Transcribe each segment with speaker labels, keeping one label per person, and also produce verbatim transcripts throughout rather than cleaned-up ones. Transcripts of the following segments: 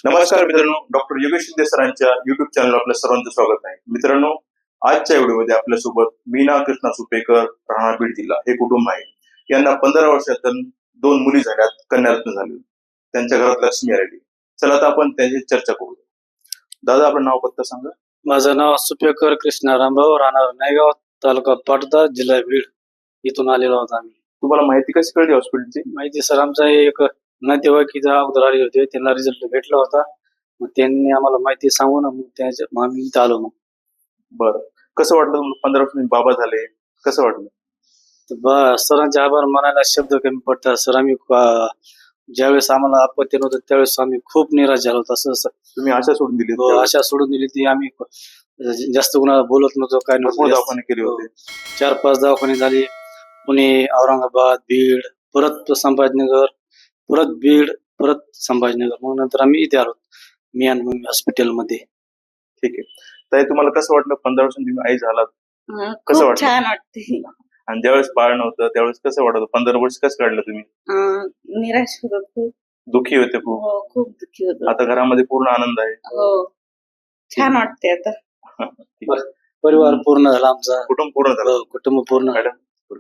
Speaker 1: नमस्कार मित्रांनो, डॉक्टर योगेश शिंदे सरांच्या युट्यूब चॅनल आपल्या सर्वांचं स्वागत आहे. मित्रांनो, आजच्या व्हिडिओमध्ये आपल्यासोबत मीना कृष्णा सुपेकर, राहणार बीड जिल्हा हे कुटुंब आहे. यांना पंधरा वर्षातून दोन मुली झाल्यात, कन्यारत्न झाली. त्यांच्या घरात लक्ष्मी आलेली. चला आता आपण त्यांची चर्चा करू. दादा, आपलं नाव पत्ता सांगा.
Speaker 2: माझं नाव सुपेकर कृष्णा रामभाऊ, राहणार नायगाव, तालुका पाटोदा, जिल्हा बीड. इथून आलेलो आहोत आम्ही.
Speaker 1: तुम्हाला माहिती कशी कळली हॉस्पिटलची?
Speaker 2: माहिती सर, आमचा एक नातेवाईकीचा अगोदर आले होते, त्यांना रिझल्ट भेटला होता. मग त्यांनी आम्हाला माहिती सांगून मग त्याच्या मग आम्ही इथं आलो. मग
Speaker 1: बरं, कसं वाटलं तुम्हाला? पंधरा वर्षांनी बाबा झाले, कसं वाटलं?
Speaker 2: तर बा सरांचे आभार मानायला शब्द कमी पडतात सर. आम्ही अं, ज्यावेळेस आम्हाला आपत्ती नव्हतं त्यावेळेस आम्ही खूप निराश झालो होतो. असं सर,
Speaker 1: तुम्ही आशा सोडून दिली?
Speaker 2: हो, आशा सोडून दिली ती. आम्ही जास्त कुणाला बोलत नव्हतो, काय नव्हतं.
Speaker 1: दवाखाने केले होते,
Speaker 2: चार पाच दवाखाने झाले. पुणे, औरंगाबाद, बीड, परत संभाजीनगर, परत बीड, परत संभाजीनगर. मग नंतर आम्ही इथे आलो, मी आणि मम्मी हॉस्पिटलमध्ये.
Speaker 1: ठीक आहे. ताई, तुम्हाला कसं वाटलं पंधरा वर्षांनी तुम्ही आई झालात?
Speaker 3: अं,
Speaker 1: कसं
Speaker 3: खूप
Speaker 1: वाटलं?
Speaker 3: छान वाटते.
Speaker 1: आणि ज्यावेळेस बाळ नव्हतं त्यावेळेस कसं वाटत? पंधरा वर्ष कसं काढलं तुम्ही?
Speaker 3: अं, निराश होतो खूप.
Speaker 1: दुःखी होते खूप.
Speaker 3: हो, खूप दुःखी होतो.
Speaker 1: आता घरामध्ये पूर्ण आनंद आहे.
Speaker 3: हो, छान वाटते आता.
Speaker 1: ठीक आहे.
Speaker 2: परिवार पूर्ण झाला आमचा,
Speaker 1: कुटुंब पूर्ण झालं.
Speaker 2: हो, कुटुंब पूर्ण.
Speaker 1: मॅडम,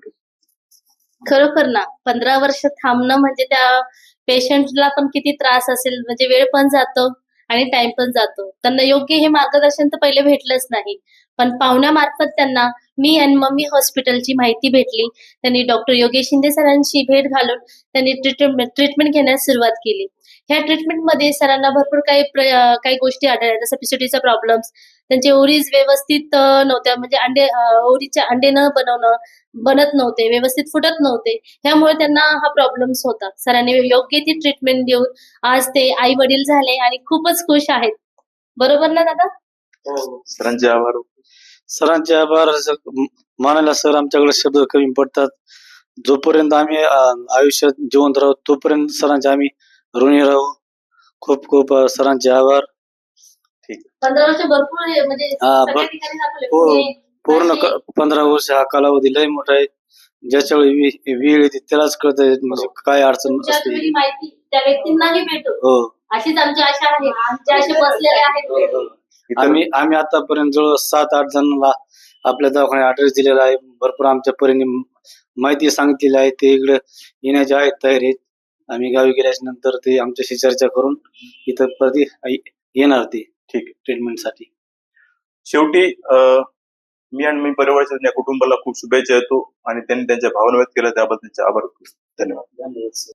Speaker 4: खरोखर ना पंधरा वर्ष थांबणं म्हणजे त्या पेशंटला पण किती त्रास असेल. म्हणजे वेळ पण जातो आणि टाइम पण जातो. त्यांना योग्य हे मार्गदर्शन तर पहिले भेटलंच नाही, पण पाहुण्यामार्फत त्यांना मी आणि मम्मी हॉस्पिटलची माहिती भेटली. त्यांनी डॉक्टर योगेश शिंदे सरांशी भेट घालून त्यांनी ट्रीटमेंट ट्रीटमेंट घेण्यास सुरुवात केली. ह्या ट्रीटमेंटमध्ये सरांना भरपूर काही प्र- काही गोष्टी आढळल्या, जसं पीसीओडीचा प्रॉब्लेम्स, त्यांचे ओव्हरीज व्यवस्थित अं, नव्हत्या. म्हणजे अंडे अं, ओव्हरीचे अंडे न बनवणं बनत नव्हते, व्यवस्थित फुटत नव्हते. ह्यामुळे त्यांना हा प्रॉब्लेम्स होता. सरांनी योग्य ती ट्रीटमेंट देऊन आज ते आई वडील झाले आणि खूपच खुश आहेत. बरोबर ना दादा?
Speaker 1: सरांचे आभार.
Speaker 2: सरांचे आभार स- मानायला सर आमच्याकडे शब्द कमी पडतात. जोपर्यंत आम्ही अं, आयुष्यात जिवंत राहू तोपर्यंत सरांचे आम्ही ऋणी राहू. खूप खूप अं, सरांचे आभार.
Speaker 4: पंधरा वर्ष भरपूर आहे, म्हणजे
Speaker 2: हा,
Speaker 4: सगळ्या
Speaker 2: बर-
Speaker 4: ठिकाणी दाखवले.
Speaker 2: हो,
Speaker 4: पुणे,
Speaker 2: पूर्ण
Speaker 4: नाशिक.
Speaker 2: क- पंधरा वर्ष हा कालावधी लय मोठा आहे. ज्याच्या वेळी वे- वेळ येते त्यालाच कळत म्हणजे काय अडचण
Speaker 4: तुमच्या
Speaker 2: असते.
Speaker 4: तुम्ही माहिती त्या व्यक्तींनाही भेटू
Speaker 2: हो,
Speaker 4: अशीच आमची आशा आहे. आमचे असे बसलेले आहेत.
Speaker 2: हो, हो. आम्ही आम्ही आतापर्यंत जवळ सात आठ जणांना आपल्या दवाखान्यात ऍड्रेस दिलेला आहे. भरपूर आमच्या परीने माहिती सांगितलेली आहे. ते इकडे येण्याचे आहेत, तयार आहेत. आम्ही गावी गेल्याच्या नंतर ते आमच्याशी चर्चा करून इथं प्रति येणार ते ठीक ट्रीटमेंटसाठी.
Speaker 1: शेवटी अं, मी आणि मी परिवाराच्या या कुटुंबाला खूप शुभेच्छा देतो आणि त्यांनी त्यांच्या भावना व्यक्त केल्या त्याबद्दल त्यांचे आभार. धन्यवाद.
Speaker 2: धन्यवाद.